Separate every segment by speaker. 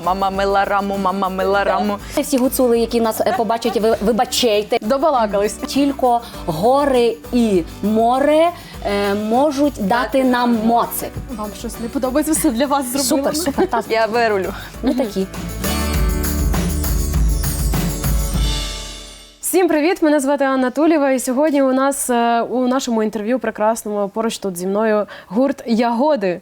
Speaker 1: мама мила раму, мама мила раму.
Speaker 2: Всі гуцули, які нас побачать, вибачайте.
Speaker 1: Добалакались.
Speaker 2: Тільки гори і море можуть дати нам моци.
Speaker 3: Вам щось не подобається, все для вас зробила?
Speaker 2: Супер, супер. Та,
Speaker 1: Я вирулю.
Speaker 2: ми такі.
Speaker 3: Всім привіт! Мене звати Анна Тулєва, і сьогодні у нас у нашому інтерв'ю прекрасному поруч тут зі мною гурт «Ягоди».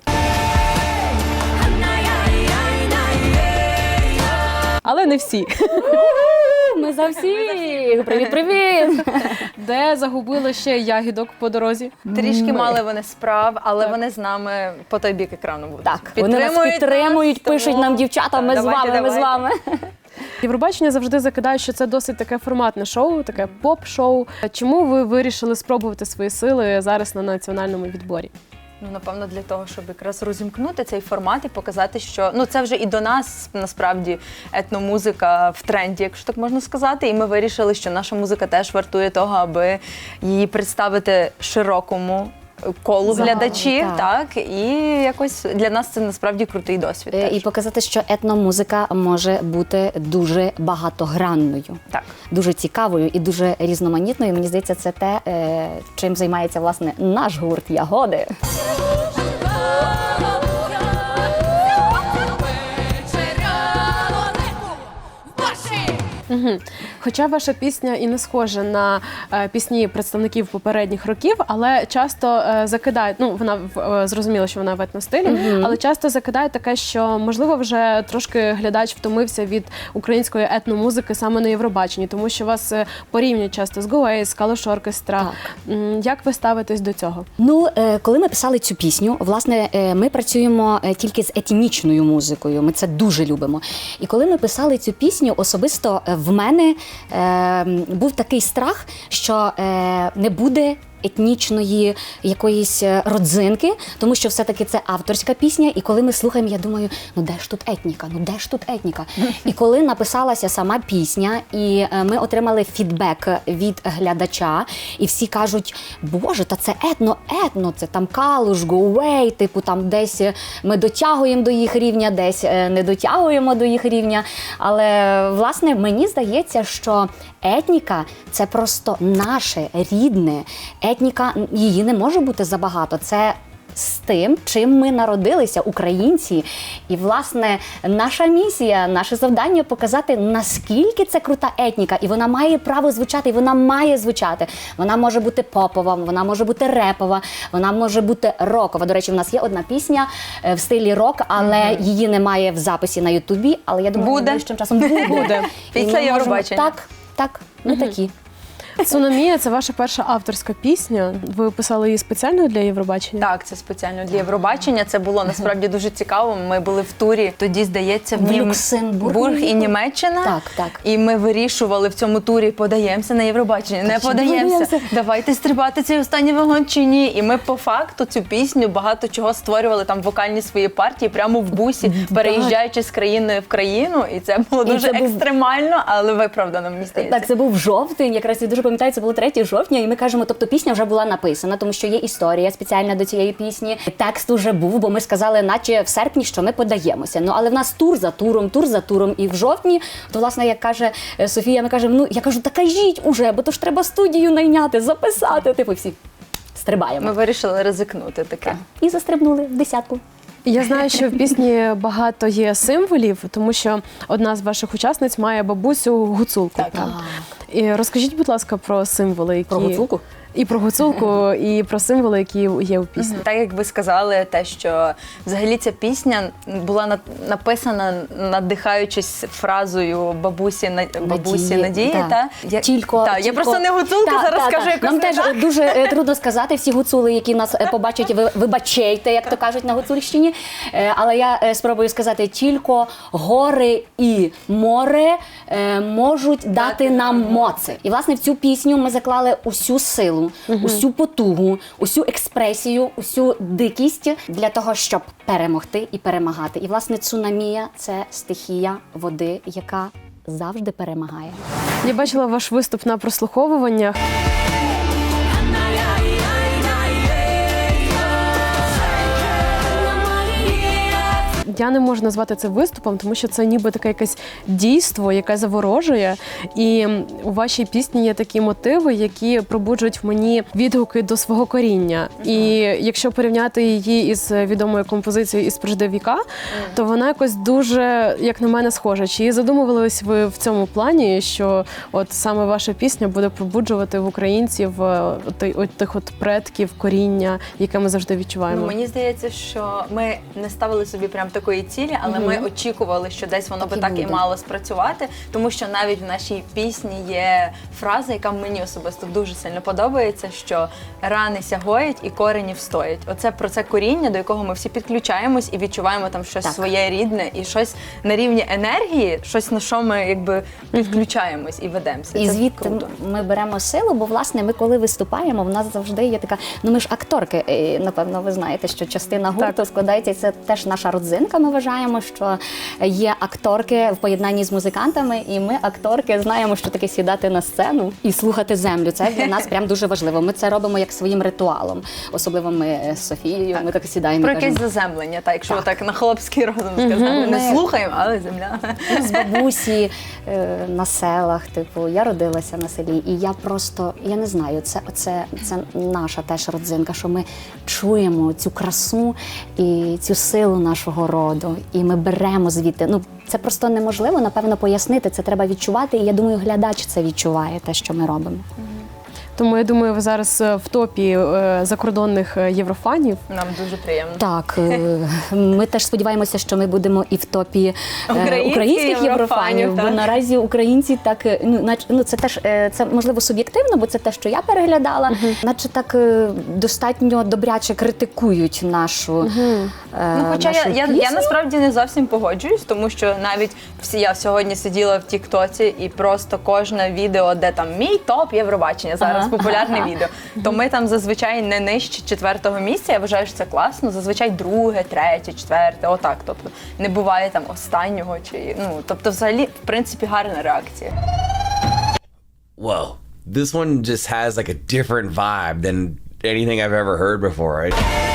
Speaker 3: Але не всі.
Speaker 2: Ми за всіх! Привіт-привіт!
Speaker 3: Де загубили ще ягідок по дорозі?
Speaker 1: Трішки мали вони справ, але вони з нами по той бік екрану будуть.
Speaker 2: Так, вони нас підтримують, пишуть
Speaker 1: тому-
Speaker 2: нам дівчата, ми з вами, ми з вами.
Speaker 3: Євробачення завжди закидає, що це досить таке форматне шоу, таке поп-шоу. Чому ви вирішили спробувати свої сили зараз на національному відборі?
Speaker 1: Ну, напевно, для того, щоб якраз розімкнути цей формат і показати, що це вже і до нас, насправді, етномузика в тренді, якщо так можна сказати. І ми вирішили, що наша музика теж вартує того, аби її представити широкому колу глядачів.
Speaker 2: так.
Speaker 1: Так, і якось для нас це насправді крутий досвід. Теж.
Speaker 2: І показати, що етномузика може бути дуже багатогранною,
Speaker 1: Так.
Speaker 2: дуже цікавою і дуже різноманітною. Мені здається, це те, чим займається, власне, наш гурт «Ягоди».
Speaker 3: Хоча ваша пісня і не схожа на пісні представників попередніх років, але часто закидають, вона зрозуміло, що вона в етностилі, але часто закидають таке, що, можливо, вже трошки глядач втомився від української етномузики саме на Євробаченні, тому що вас порівнюють часто з Go Ace, з Калош Оркестра. Як ви ставитесь до цього?
Speaker 2: Коли ми писали цю пісню, власне, ми працюємо тільки з етнічною музикою, ми це дуже любимо. І коли ми писали цю пісню, особисто в мене був такий страх, що не буде етнічної якоїсь родзинки, тому що все-таки це авторська пісня, і коли ми слухаємо, я думаю, де ж тут етніка, де ж тут етніка? І коли написалася сама пісня, і ми отримали фідбек від глядача, і всі кажуть, боже, та це етно, це там Калуш, Go Away, типу там десь ми дотягуємо до їх рівня, десь не дотягуємо до їх рівня, але, власне, мені здається, що етніка – це просто наше, рідне. Етніка, її не може бути забагато. Це з тим, чим ми народилися, українці. І, власне, наша місія, наше завдання – показати, наскільки це крута етніка. І вона має право звучати, і вона має звучати. Вона може бути попова, вона може бути репова, вона може бути рокова. До речі, в нас є одна пісня в стилі рок, але її немає в записі на Ютубі. Але я думаю, найближчим часом буде.
Speaker 1: Після Євробачення.
Speaker 2: Так, ми такі.
Speaker 3: «Цунамія» – це ваша перша авторська пісня. Ви писали її спеціально для Євробачення?
Speaker 1: Так, це спеціально для Євробачення. Це було насправді дуже цікаво. Ми були в турі, тоді, здається,
Speaker 2: в Люксембург
Speaker 1: і Німеччина.
Speaker 2: Так.
Speaker 1: І ми вирішували в цьому турі, подаємося на Євробачення, не подаємося. Давайте стрибати цей останній вагон чи ні. І ми по факту цю пісню багато чого створювали, там вокальні свої партії прямо в бусі, переїжджаючи з країни в країну. І це було дуже екстремально, але виправдано, мені здається.
Speaker 2: Так, це був жовтень, якраз я дуже пам'ятаю, це було 3 жовтня, і ми кажемо, тобто пісня вже була написана, тому що є історія спеціальна до цієї пісні. Текст уже був, бо ми сказали, наче в серпні, що ми подаємося. Але в нас тур за туром, і в жовтні, то, власне, як каже Софія, ми кажемо, я кажу, та кажіть уже, бо то ж треба студію найняти, записати, всі стрибаємо.
Speaker 1: Ми вирішили ризикнути таке.
Speaker 2: І застрибнули в 10-ку.
Speaker 3: Я знаю, що в пісні багато є символів, тому що одна з ваших учасниць має бабусю гуцулку.
Speaker 1: Так.
Speaker 3: І розкажіть, будь ласка, про символи, які...
Speaker 2: Про гуцулку?
Speaker 3: І про гуцулку, і про символи, які є у пісні.
Speaker 1: Так, як ви сказали, те, що взагалі ця пісня була написана, надихаючись фразою бабусі Надії.
Speaker 2: Да.
Speaker 1: Я просто не гуцулка, зараз скажу якось.
Speaker 2: Нам теж дуже трудно сказати, всі гуцули, які нас побачать, вибачайте, як то кажуть на Гуцульщині. Але я спробую сказати, тільки гори і море можуть дати нам моци. І, власне, в цю пісню ми заклали усю силу, усю потугу, усю експресію, усю дикість для того, щоб перемогти і перемагати. І, власне, цунамія – це стихія води, яка завжди перемагає.
Speaker 3: Я бачила ваш виступ на прослуховуваннях. я не можу назвати це виступом, тому що це ніби таке якесь дійство, яке заворожує. І у вашій пісні є такі мотиви, які пробуджують в мені відгуки до свого коріння. І якщо порівняти її із відомою композицією «Із прежде віка», то вона якось дуже, як на мене, схожа. Чи задумувались ви в цьому плані, що от саме ваша пісня буде пробуджувати в українців тих от предків, коріння, яке ми завжди відчуваємо?
Speaker 1: Ну, мені здається, що ми не ставили собі прям такої цілі, але ми очікували, що десь воно би так і мало спрацювати, тому що навіть в нашій пісні є фраза, яка мені особисто дуже сильно подобається, що рани сягоють і корені встоять. Оце про це коріння, до якого ми всі підключаємось і відчуваємо там щось своє рідне і щось на рівні енергії, щось на що ми якби підключаємось і ведемося.
Speaker 2: І
Speaker 1: це
Speaker 2: звідти
Speaker 1: круто.
Speaker 2: ми беремо силу, бо власне ми коли виступаємо, в нас завжди є така, ну ми ж акторки, і, напевно, ви знаєте, що частина гурту складається, і це теж наша родзинка. Ми вважаємо, що є акторки в поєднанні з музикантами, і ми, акторки, знаємо, що таке сідати на сцену і слухати землю. Це для нас прям дуже важливо. Ми це робимо як своїм ритуалом. Особливо ми з Софією, ми так сідаємо.
Speaker 1: Про
Speaker 2: і кажемо,
Speaker 1: якесь заземлення, так, якщо так на хлопський розум сказати. Не слухаємо, але земля.
Speaker 2: з бабусі на селах, типу, я родилася на селі, і я просто, я не знаю, це наша теж родзинка, що ми чуємо цю красу і цю силу нашого роду, і ми беремо звідти. Ну, це просто неможливо, напевно, пояснити, це треба відчувати, і я думаю, глядач це відчуває, те, що ми робимо.
Speaker 3: Тому я думаю, ви зараз в топі закордонних єврофанів.
Speaker 1: Нам дуже приємно.
Speaker 2: Так, ми теж сподіваємося, що ми будемо і в топі українських єврофанів, бо наразі українці так, це теж, це можливо суб'єктивно, бо це те, що я переглядала, наче так достатньо добряче критикують нашу
Speaker 1: Хоча
Speaker 2: нашу
Speaker 1: я
Speaker 2: пісню.
Speaker 1: насправді не зовсім погоджуюсь, тому що навіть я сьогодні сиділа в Тіктоці і просто кожне відео, де там мій топ Євробачення, зараз популярне відео, то ми там зазвичай не нижче 4-го місця, я вважаю, що це класно, зазвичай 2-е, 3-е, 4-е, отак, тобто не буває там останнього, чи, тобто взагалі, в принципі, гарна реакція.
Speaker 4: Whoa, this one just has like a different vibe than anything I've ever heard before.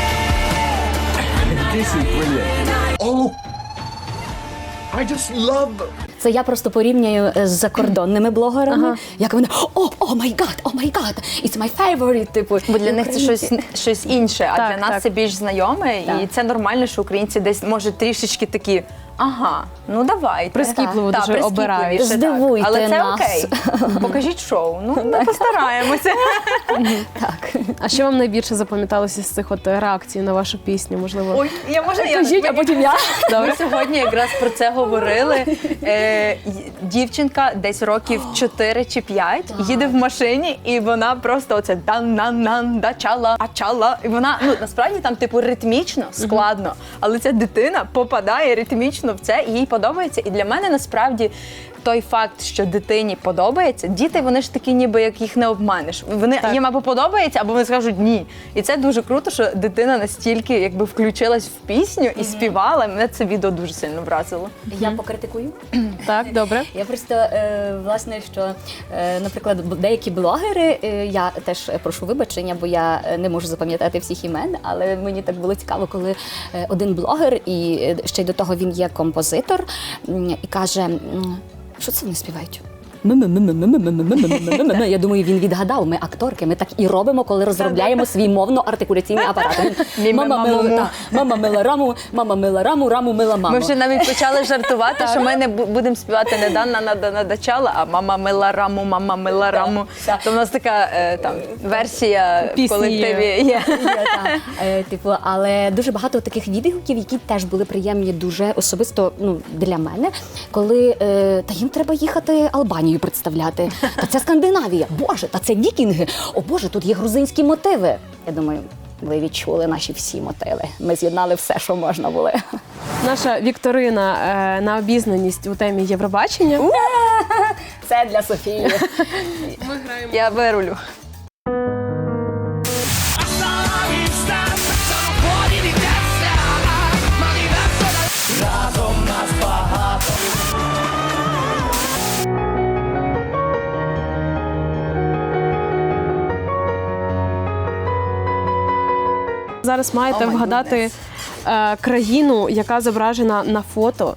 Speaker 5: This is brilliant. Oh, I just love.
Speaker 2: Це я просто порівнюю з закордонними блогерами, як вони о май гад, it's my favorite, типу.
Speaker 1: Бо для них це щось інше, а
Speaker 3: Так,
Speaker 1: для нас
Speaker 3: так.
Speaker 1: це більш знайоме, і це нормально, що українці десь, може, трішечки такі, ага, ну давайте.
Speaker 3: Прискіпливо
Speaker 1: Так,
Speaker 3: дуже обирають.
Speaker 1: прискіпливіше, так.
Speaker 2: Здивуйте
Speaker 1: Але це
Speaker 2: нас.
Speaker 1: окей. Покажіть шоу. Ну, ми постараємося.
Speaker 2: Так.
Speaker 3: А що вам найбільше запам'яталося з цих от реакцій на вашу пісню? Можливо,
Speaker 1: Ой,
Speaker 2: Кажіть, а потім я.
Speaker 1: Ми сьогодні якраз про це говорили. Дівчинка десь років 4 чи 5 їде в машині, і вона просто оце дан-нан-нан, дачала, ачала. І вона, насправді там типу ритмічно, складно, але ця дитина попадає ритмічно в це, і їй подобається. І для мене насправді той факт, що дитині подобається, діти, вони ж такі, ніби як їх не обманеш. Їм або подобається, або вони скажуть ні. І це дуже круто, що дитина настільки якби включилась в пісню і співала. Мене це відео дуже сильно вразило.
Speaker 2: Я покритикую.
Speaker 3: так, добре.
Speaker 2: Я просто, власне, що, наприклад, деякі блогери, я теж прошу вибачення, бо я не можу запам'ятати всіх імен, але мені так було цікаво, коли один блогер, і ще й до того він є композитор, і каже, що це вони співають? Я думаю, він відгадав, ми акторки, ми так і робимо, коли розробляємо свій мовно-артикуляційний апарат. Мама мила раму, раму мила маму.
Speaker 1: Ми вже навіть почали жартувати, що ми не будемо співати не Данна надачала, а мама мила раму. То в нас така там версія в колективі є.
Speaker 2: Типу, але дуже багато таких відгуків, які теж були приємні дуже особисто для мене, коли та їм треба їхати Албанію представляти. Та це Скандинавія. Боже, та це вікінги. О Боже, тут є грузинські мотиви. Я думаю, ви відчули наші всі мотиви. Ми з'єднали все, що можна було.
Speaker 3: Наша вікторина на обізнаність у темі Євробачення.
Speaker 2: Це для Софії.
Speaker 1: Я вирулю.
Speaker 3: Зараз маєте вгадати країну, яка зображена на фото.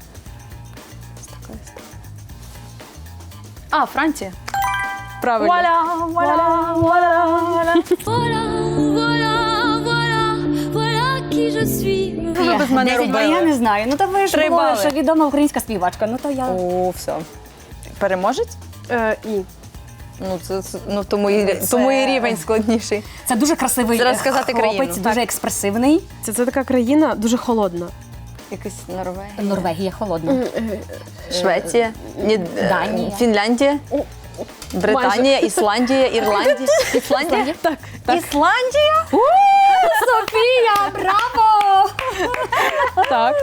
Speaker 1: А, Франція.
Speaker 3: Правильно.
Speaker 1: Вуаля, вуаля, вуаля, вуаля.
Speaker 6: Voilà, voilà, voilà, voilà qui je suis.
Speaker 1: Ви без мене
Speaker 2: 10
Speaker 1: робили.
Speaker 2: я не знаю. Ну то ви ж
Speaker 1: 3
Speaker 2: були,
Speaker 1: бали.
Speaker 2: що відома українська співачка. Ну то я...
Speaker 1: О, все. Переможець?
Speaker 3: Ні.
Speaker 1: Ну, тому і рівень складніший.
Speaker 2: Це дуже красивий
Speaker 1: Зараз сказати
Speaker 2: хлопець,
Speaker 1: країну.
Speaker 2: дуже експресивний.
Speaker 3: Це така країна дуже холодна.
Speaker 1: Якась Норвегія.
Speaker 2: Норвегія холодна.
Speaker 1: Швеція,
Speaker 2: Данія.
Speaker 1: Фінляндія, Британія, Ісландія, Ірландія. Ісландія?
Speaker 3: Так.
Speaker 1: Ісландія?
Speaker 2: Софія, браво!
Speaker 3: Так.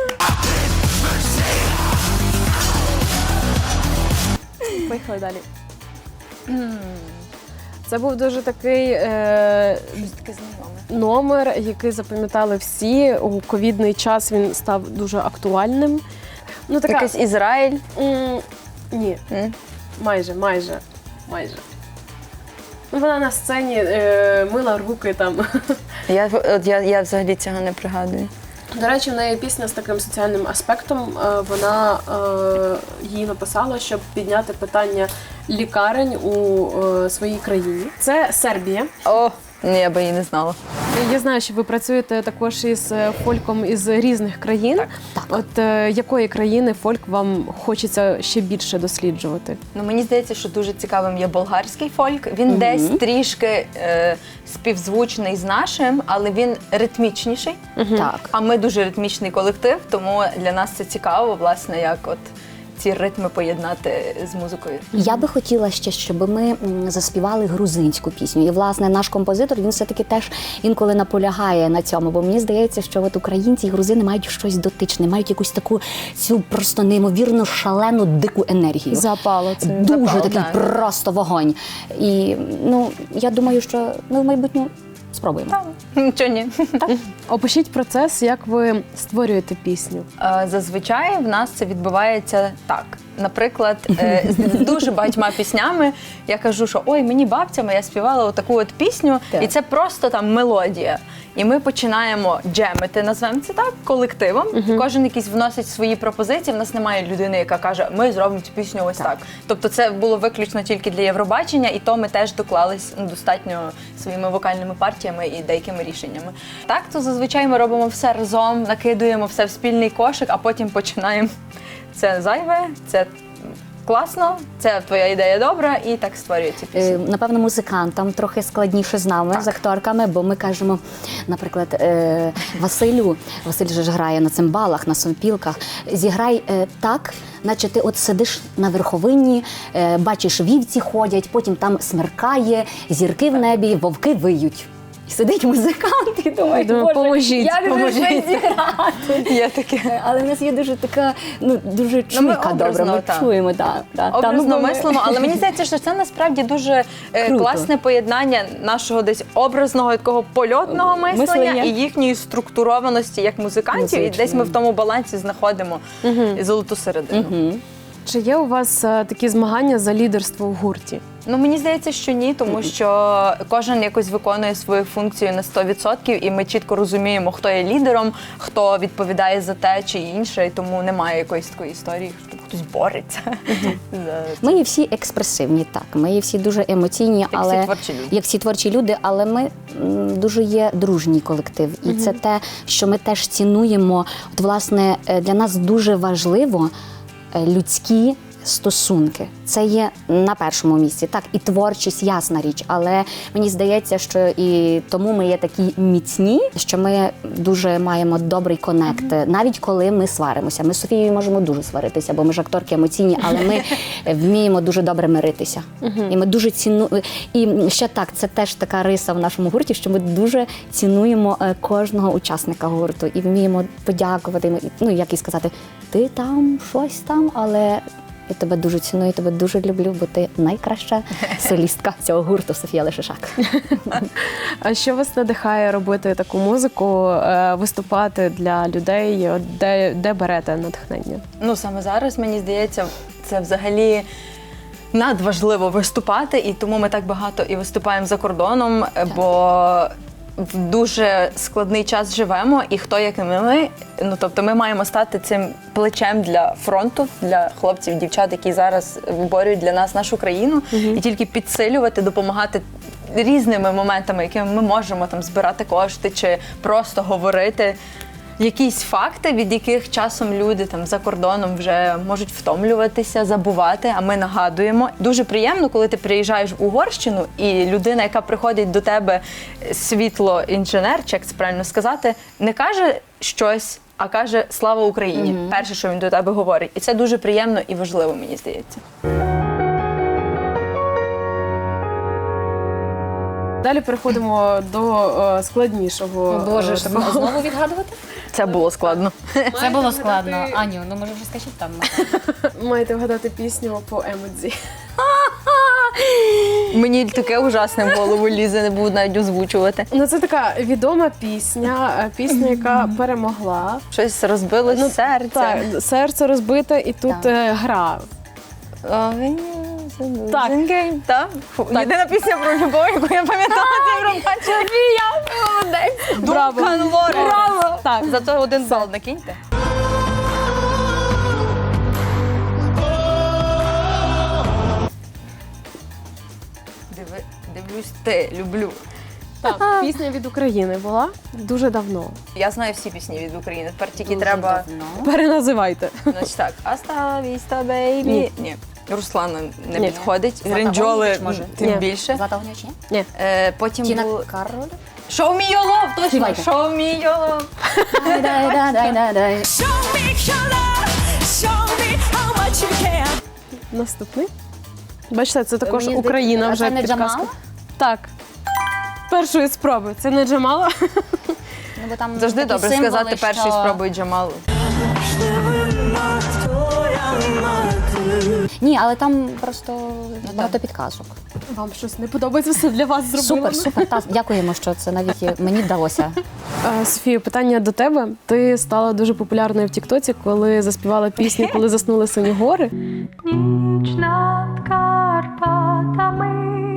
Speaker 3: Поїхали далі. Це був дуже такий
Speaker 1: Таке знайоме.
Speaker 3: номер, який запам'ятали всі. У ковідний час він став дуже актуальним. Ну, така...
Speaker 1: Якийсь Ізраїль.
Speaker 3: Ні.
Speaker 1: М?
Speaker 3: Майже. Ну, вона на сцені мила руки там.
Speaker 1: Я взагалі цього не пригадую.
Speaker 3: До речі, в неї пісня з таким соціальним аспектом. Вона її написала, щоб підняти питання лікарень у своїй країні. Це Сербія.
Speaker 1: О, ні, я би її не знала.
Speaker 3: Я знаю, що ви працюєте також із фольком із різних країн.
Speaker 2: Так.
Speaker 3: От якої країни фольк вам хочеться ще більше досліджувати?
Speaker 1: Ну, мені здається, що дуже цікавим є болгарський фольк. Він десь трішки співзвучний з нашим, але він ритмічніший.
Speaker 2: Так.
Speaker 1: А ми дуже ритмічний колектив, тому для нас це цікаво, власне, як от ці ритми поєднати з музикою.
Speaker 2: Я би хотіла ще, щоб ми заспівали грузинську пісню. І, власне, наш композитор, він все-таки теж інколи наполягає на цьому, бо мені здається, що от українці і грузини мають щось дотичне, мають якусь таку цю просто неймовірно шалену, дику енергію.
Speaker 3: Запало це.
Speaker 2: Дуже
Speaker 1: Запал,
Speaker 2: такий
Speaker 1: так.
Speaker 2: просто вогонь. І, ну, я думаю, що ми в майбутньому спробуємо.
Speaker 1: Нічого ні.
Speaker 3: Опишіть процес, як ви створюєте пісню.
Speaker 1: Зазвичай в нас це відбувається так. Наприклад, з дуже багатьма піснями я кажу, що ой, мені бабця моя співала отаку от пісню,
Speaker 2: Так.
Speaker 1: і це просто там мелодія. І ми починаємо джемити, назвемо це так, колективом. Кожен якийсь вносить свої пропозиції. В нас немає людини, яка каже, ми зробимо цю пісню ось так. Тобто це було виключно тільки для Євробачення, і то ми теж доклались достатньо своїми вокальними партіями і деякими рішеннями. Так, то зазвичай ми робимо все разом, накидуємо все в спільний кошик, а потім починаємо. Це зайве, це класно, це твоя ідея добра, і так створюється пісня.
Speaker 2: Напевно, музикантам трохи складніше з нами, з акторками, бо ми кажемо, наприклад, Василь же ж грає на цимбалах, на сопілках, зіграй так, наче ти от сидиш на верховині, бачиш, вівці ходять, потім там смеркає, зірки в небі, вовки виють. І сидить музикант і думає,
Speaker 3: Думаю,
Speaker 2: Боже,
Speaker 3: поможіть,
Speaker 2: як же
Speaker 3: поможіть.
Speaker 2: щось зіграти?
Speaker 1: Є таке.
Speaker 2: Але в нас є дуже така, дуже
Speaker 1: ми
Speaker 2: чуйка добра,
Speaker 1: образно,
Speaker 2: ми
Speaker 1: так.
Speaker 2: чуємо.
Speaker 1: Образно мислимо, але мені здається, що це насправді дуже
Speaker 2: Круто.
Speaker 1: класне поєднання нашого десь образного такого польотного мислення
Speaker 2: Мислення.
Speaker 1: і їхньої структурованості як музикантів. І
Speaker 2: Музичної.
Speaker 1: десь ми в тому балансі знаходимо золоту середину.
Speaker 3: Чи є у вас такі змагання за лідерство в гурті?
Speaker 1: Ну, мені здається, що ні, тому що кожен якось виконує свою функцію на 100%, і ми чітко розуміємо, хто є лідером, хто відповідає за те чи інше, і тому немає якоїсь такої історії, що хтось бореться.
Speaker 2: Ми є всі експресивні, так. Ми є всі дуже емоційні,
Speaker 1: всі
Speaker 2: але
Speaker 1: творчі люди.
Speaker 2: як всі творчі люди, але ми дуже є дружній колектив. І це те, що ми теж цінуємо. От, власне, для нас дуже важливо людські стосунки. Це є на першому місці. Так, і творчість, ясна річ, але мені здається, що і тому ми є такі міцні, що ми дуже маємо добрий конект, навіть коли ми сваримося. Ми з Софією можемо дуже сваритися, бо ми ж акторки емоційні, але ми вміємо дуже добре миритися. І ми дуже цінуємо. І ще так, це теж така риса в нашому гурті, що ми дуже цінуємо кожного учасника гурту і вміємо подякувати. Ну, як і сказати, ти там, щось там, але я тебе дуже ціную, тебе дуже люблю, бо ти найкраща солістка цього гурту Софія Лешишак.
Speaker 3: А що вас надихає робити таку музику, виступати для людей? От де берете натхнення?
Speaker 1: Ну, саме зараз, мені здається, це взагалі надважливо виступати, і тому ми так багато і виступаємо за кордоном, бо в дуже складний час живемо, і хто як не ми, ну тобто ми маємо стати цим плечем для фронту, для хлопців, дівчат, які зараз виборюють для нас нашу країну, і тільки підсилювати, допомагати різними моментами, якими ми можемо там збирати кошти чи просто говорити якісь факти, від яких часом люди там за кордоном вже можуть втомлюватися, забувати, а ми нагадуємо. Дуже приємно, коли ти приїжджаєш в Угорщину, і людина, яка приходить до тебе, світлоінженер, чи як це правильно сказати, не каже щось, а каже «Слава Україні». Перше, що він до тебе говорить. І це дуже приємно і важливо, мені здається.
Speaker 3: Далі переходимо до складнішого.
Speaker 2: Боже, щоб знову відгадувати?
Speaker 1: Це було складно.
Speaker 2: Це було складно. Аню, ну може вже скажіть там.
Speaker 3: Маєте вгадати пісню по емодзі.
Speaker 1: Мені таке ужасне в голову лізе, не буду навіть озвучувати.
Speaker 3: Ну, це така відома пісня, яка перемогла.
Speaker 1: Щось розбилось серце.
Speaker 3: Так, серце розбите, і тут гра.
Speaker 1: Так. Єдина пісня про любов, яку я пам'ятала, це Євробачення. Молодець.
Speaker 3: Браво.
Speaker 1: Браво.
Speaker 3: Так.
Speaker 1: Зато 1 бал накиньте. Дивлюсь, те, люблю.
Speaker 3: Так, пісня від України була дуже давно.
Speaker 1: Я знаю всі пісні від України, тепер тільки треба...
Speaker 3: Переназивайте.
Speaker 1: Значить так, «Hasta vista, baby». Ні. Руслана не
Speaker 3: Ні.
Speaker 1: підходить.
Speaker 2: Злата
Speaker 1: Гринджоли
Speaker 2: Огнєвіч, може?
Speaker 1: тим
Speaker 3: Ні.
Speaker 1: більше.
Speaker 2: Злата Огнєвіч, ні?
Speaker 3: Ні.
Speaker 1: Потім
Speaker 2: Тіна
Speaker 1: було
Speaker 2: Кароль?
Speaker 1: «Show me your love», точно,
Speaker 2: Співайте.
Speaker 1: «Show me your love».
Speaker 2: Дай.
Speaker 6: Show me your love, show me how much you care.
Speaker 3: Наступний. Бачите, це також
Speaker 2: Мені
Speaker 3: Україна
Speaker 2: здається,
Speaker 3: вже
Speaker 2: це не
Speaker 3: підказка.
Speaker 2: Джамала?
Speaker 3: Так. Першої спроби. Це не Джамала?
Speaker 2: Ну, бо там
Speaker 1: Завжди
Speaker 2: такі
Speaker 1: добре
Speaker 2: символи,
Speaker 1: сказати перший
Speaker 2: що-
Speaker 1: спробуй Джамалу.
Speaker 2: Ні, але там просто багато підказок.
Speaker 3: Вам щось не подобається, все для вас зробила?
Speaker 2: Супер. Дякуємо, що це навіть мені вдалося.
Speaker 3: Софія, питання до тебе. Ти стала дуже популярною в Тіктоці, коли заспівала пісню «Коли заснули сині гори».
Speaker 6: Ніч над Карпатами,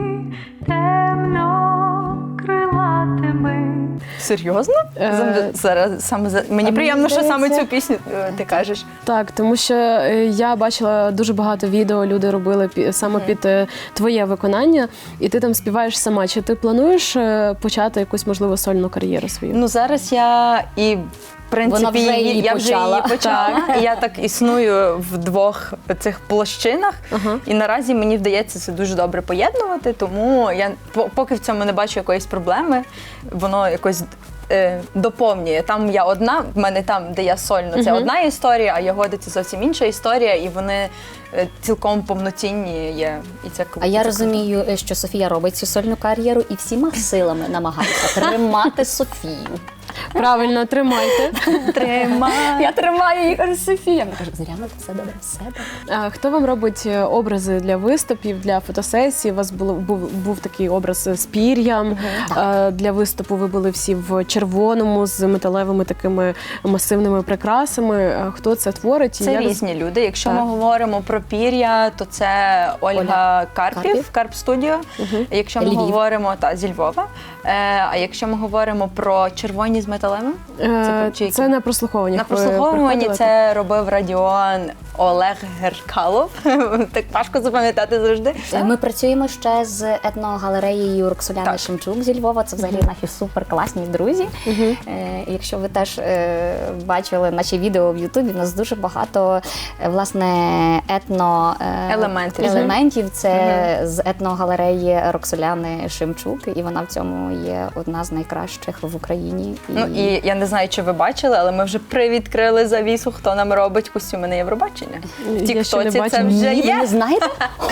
Speaker 6: темно крилатими.
Speaker 1: Серйозно? Зараз мені приємно, що саме цю пісню ти кажеш.
Speaker 3: Так, тому що я бачила дуже багато відео, люди робили саме під твоє виконання, і ти там співаєш сама. Чи ти плануєш почати якусь, можливо, сольну кар'єру свою?
Speaker 1: Ну зараз я і в принципі
Speaker 2: Вона вже її
Speaker 1: я вже
Speaker 2: почала.
Speaker 1: її почала. І я так існую в двох цих площинах. І наразі мені вдається це дуже добре поєднувати, тому я поки в цьому не бачу якоїсь проблеми, воно якось доповнює. Там я одна, в мене там, де я сольно, це одна історія, а Ягоди це зовсім інша історія, і вони цілком повноцінні є. І це
Speaker 2: А я розумію, що Софія робить цю сольну кар'єру і всіма силами намагається тримати Софію.
Speaker 3: Правильно, тримайте.
Speaker 1: Тримай.
Speaker 2: Я тримаю її, кажу, Софія. Я кажу, Зоряна, все добре, все добре.
Speaker 3: Хто вам робить образи для виступів, для фотосесій? У вас був такий образ з пір'ям. Для виступу ви були всі в червоному, з металевими такими масивними прикрасами. Хто це творить? І
Speaker 1: Це
Speaker 3: як-
Speaker 1: різні люди. Якщо
Speaker 3: Так.
Speaker 1: ми говоримо про пір'я, то це Ольга Карпів, Карп Студіо. Якщо ми
Speaker 2: Львів.
Speaker 1: говоримо зі Львова. А якщо ми говоримо про червоні з металевим, чи які?
Speaker 3: Це на прослуховуваннях.
Speaker 1: На
Speaker 3: ви
Speaker 1: прослуховуванні
Speaker 3: приходили?
Speaker 1: це робив радіон Олег Геркалов. Так важко запам'ятати завжди.
Speaker 2: Ми працюємо ще з етногалереєю Роксоляни
Speaker 1: Так.
Speaker 2: Шемчук зі Львова. Це взагалі наші суперкласні друзі. Якщо ви теж бачили наші відео в Ютубі, у нас дуже багато власне елементів. Це з етногалереї Роксоляни Шемчук, і вона в цьому є одна з найкращих в Україні.
Speaker 1: Ну і я не знаю, чи ви бачили, але ми вже привідкрили завісу, хто нам робить костюми на Євробачення. В
Speaker 3: Я ще не
Speaker 1: Тіктоці це
Speaker 3: бачила.
Speaker 1: вже
Speaker 2: Ні, ви
Speaker 1: є.
Speaker 2: не знаєте?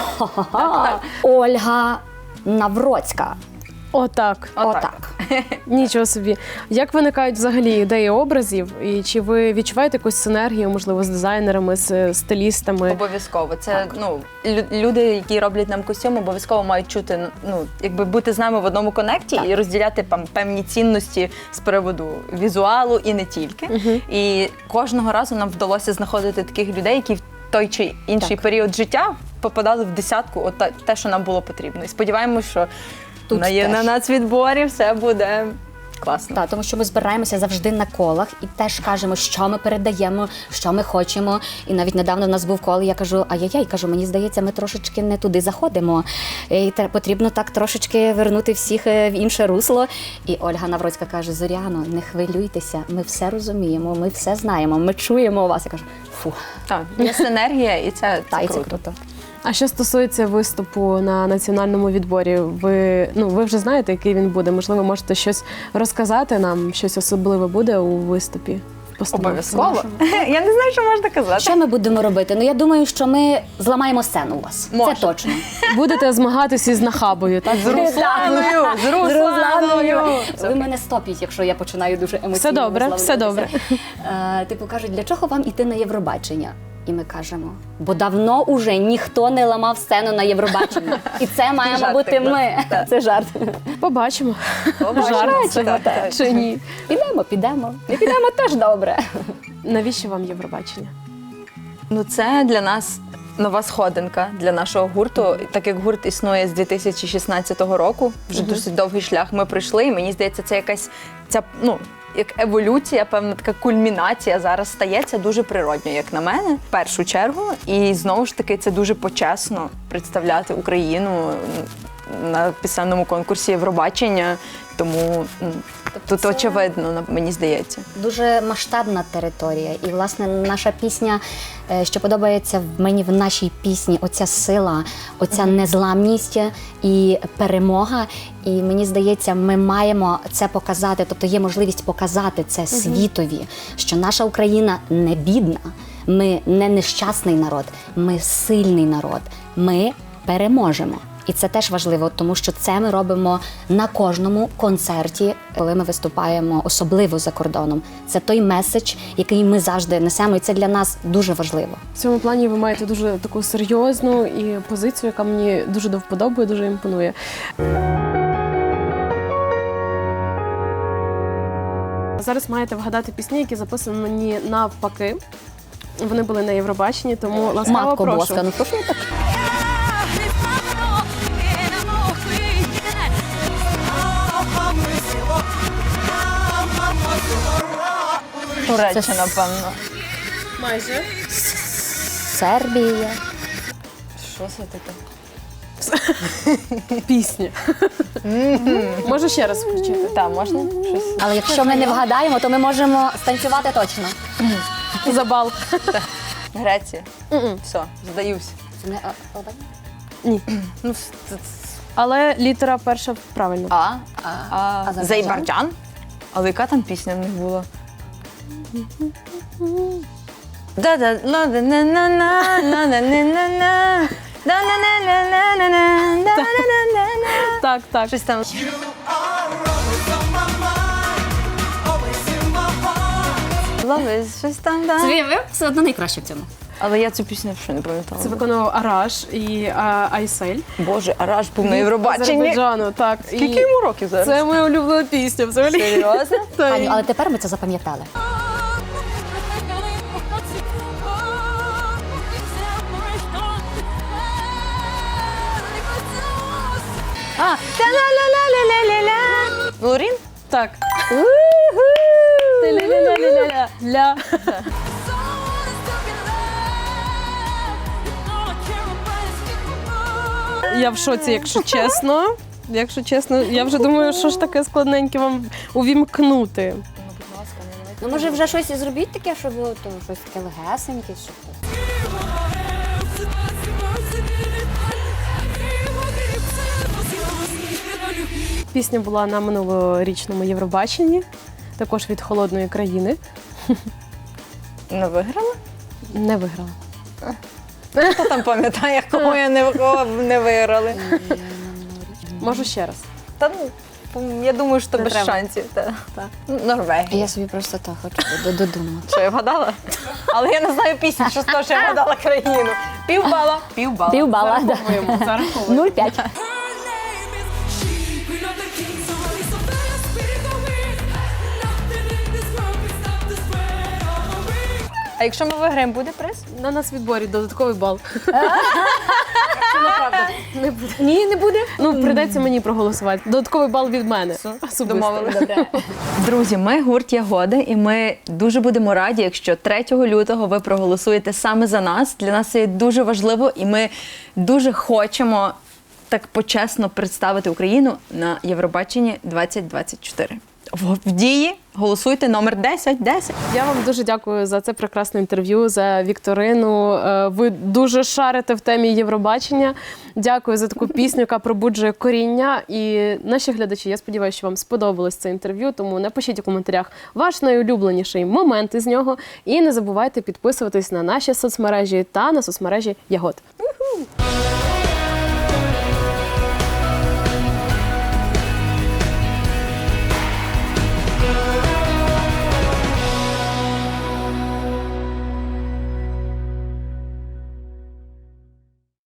Speaker 2: Ольга Навроцька.
Speaker 3: Отак.
Speaker 2: Отак.
Speaker 3: Нічого собі. Як виникають взагалі ідеї образів? І чи ви відчуваєте якусь синергію, можливо, з дизайнерами, з стилістами?
Speaker 1: Обов'язково. Це люди, які роблять нам костюм, обов'язково мають чути, якби бути з нами в одному конекті і розділяти певні цінності з приводу візуалу і не тільки. І кожного разу нам вдалося знаходити таких людей, які в той чи інший період життя попадали в десятку, те, що нам було потрібно. І сподіваємось, що
Speaker 2: Тут
Speaker 1: на
Speaker 2: теж.
Speaker 1: нацвідборі все буде Класно.
Speaker 2: Так, тому що ми збираємося завжди на колах і теж кажемо, що ми передаємо, що ми хочемо. І навіть недавно в нас був кол, і я кажу, ай-яй-яй, кажу, мені здається, ми трошечки не туди заходимо. І потрібно так трошечки вернути всіх в інше русло. І Ольга Навроцька каже, Зоряно, не хвилюйтеся, ми все розуміємо, ми все знаємо, ми чуємо вас. Я кажу, фу,
Speaker 1: Так, є синергія, і це
Speaker 2: та, і
Speaker 1: круто.
Speaker 2: це круто.
Speaker 3: А що стосується виступу на національному відборі, ви вже знаєте, який він буде? Можливо, можете щось розказати нам, щось особливе буде у виступі? В постановці
Speaker 1: Обов'язково.
Speaker 3: нашому?
Speaker 1: Я не знаю, що можна казати.
Speaker 2: Що ми будемо робити? Ну, я думаю, що ми зламаємо сцену у вас.
Speaker 1: Може.
Speaker 2: Це точно.
Speaker 3: Будете змагатися із Нахабою, так?
Speaker 1: З Русланою! З Русланою!
Speaker 2: Ви мене стопіть, якщо я починаю дуже емоційно
Speaker 3: Все добре, все
Speaker 2: висловлюватися. Типу кажуть, для чого вам іти на Євробачення? І ми кажемо, бо давно уже ніхто не ламав сцену на Євробачення. І це маємо
Speaker 1: Жарт
Speaker 2: бути
Speaker 1: такий,
Speaker 2: ми. Це жарт.
Speaker 3: Побачимо.
Speaker 1: Жарт,
Speaker 3: Це
Speaker 1: так, так.
Speaker 3: чи ні.
Speaker 2: Підемо. Не підемо теж добре.
Speaker 3: Навіщо вам Євробачення?
Speaker 1: Ну, це для нас нова сходинка для нашого гурту. Так як гурт існує з 2016 року, вже досить довгий шлях ми пройшли, і мені здається, це якась як еволюція, певна така кульмінація зараз стається дуже природньо, як на мене, в першу чергу. І знову ж таки, це дуже почесно представляти Україну на пісенному конкурсі Євробачення. Тому тут
Speaker 2: це-
Speaker 1: очевидно, мені здається.
Speaker 2: Дуже масштабна територія. І, власне, наша пісня, що подобається мені в нашій пісні, оця сила, оця незламність і перемога. І мені здається, ми маємо це показати, тобто є можливість показати це світові, що наша Україна не бідна, ми не нещасний народ, ми сильний народ, ми переможемо. І це теж важливо, тому що це ми робимо на кожному концерті, коли ми виступаємо, особливо за кордоном. Це той меседж, який ми завжди несемо, і це для нас дуже важливо.
Speaker 3: В цьому плані ви маєте дуже таку серйозну і позицію, яка мені дуже до вподоби, дуже імпонує. Зараз маєте вгадати пісні, які записані навпаки. Вони були на Євробаченні, тому ласкаво
Speaker 2: Матко
Speaker 3: прошу.
Speaker 2: Боска, ну прошу так.
Speaker 1: Туреччина, напевно.
Speaker 3: Майже.
Speaker 2: Сербія.
Speaker 1: Що це таке?
Speaker 3: Пісня. Можу ще раз включити?
Speaker 1: Так, можна щось?
Speaker 2: Але якщо ми не вгадаємо, то ми можемо станцювати точно.
Speaker 3: За бал.
Speaker 1: Греція. Все, здаюсь.
Speaker 2: Не,
Speaker 3: Ні.
Speaker 1: Ну,
Speaker 3: Але літера перша правильно.
Speaker 2: Азербайджан?
Speaker 1: Азербайджан? Але яка там пісня в них була?
Speaker 3: Так, так.
Speaker 1: Щось там. Love is щось там, да.
Speaker 2: ви все одно найкраще в цьому.
Speaker 1: Але я цю пісню ще не пам'ятала.
Speaker 3: Це виконував Араш і Айсель.
Speaker 1: Боже, Араш був на Євробаченні.
Speaker 3: Азербайджану, так.
Speaker 1: Скільки йому років зараз?
Speaker 3: Це моя улюблена пісня взагалі.
Speaker 1: Серйозно?
Speaker 3: Так.
Speaker 2: Аню, але тепер ми це запам'ятали.
Speaker 1: А, та-ла-ла-ла-ла-ла-ла. Лорін?
Speaker 3: Так. Ля. Я в шоці, якщо чесно. Якщо чесно, я вже думаю, що ж таке складненьке вам увімкнути.
Speaker 2: Ну, може, вже щось і зробіть таке, щоб то, щось таке легесеньке, щоб...
Speaker 3: Пісня була на минулорічному Євробаченні, також від холодної країни.
Speaker 1: Не виграла?
Speaker 3: Не виграла.
Speaker 1: Хто там пам'ятає, кого не виграли?
Speaker 3: Можу ще раз.
Speaker 1: Та ну, я думаю, що
Speaker 3: Не
Speaker 1: без
Speaker 3: треба.
Speaker 1: шансів. Ну, Норвегія.
Speaker 2: Я собі просто так хочу додумати.
Speaker 1: Що, я вгадала? Але я не знаю пісню, що з того, що я вгадала країну. Півбала. Півбала.
Speaker 2: Півбала, да.
Speaker 3: Зараховуємо.
Speaker 2: 0,5.
Speaker 1: А якщо ми виграємо, буде приз?
Speaker 3: На нас відборі додатковий бал.
Speaker 2: Ні, не буде.
Speaker 3: Ну, прийдеться мені проголосувати. Додатковий бал від мене. Особисто.
Speaker 1: Домовились. Друзі, ми гурт Ягода, і ми дуже будемо раді, якщо 3 лютого ви проголосуєте саме за нас. Для нас це є дуже важливо, і ми дуже хочемо так почесно представити Україну на Євробаченні 2024. В дії голосуйте номер 1010.
Speaker 3: Я вам дуже дякую за це прекрасне інтерв'ю, за вікторину. Ви дуже шарите в темі Євробачення. Дякую за таку пісню, яка пробуджує коріння. І наші глядачі, я сподіваюся, що вам сподобалось це інтерв'ю, тому напишіть у коментарях ваш найулюбленіший момент із нього. І не забувайте підписуватись на наші соцмережі та на соцмережі Ягод.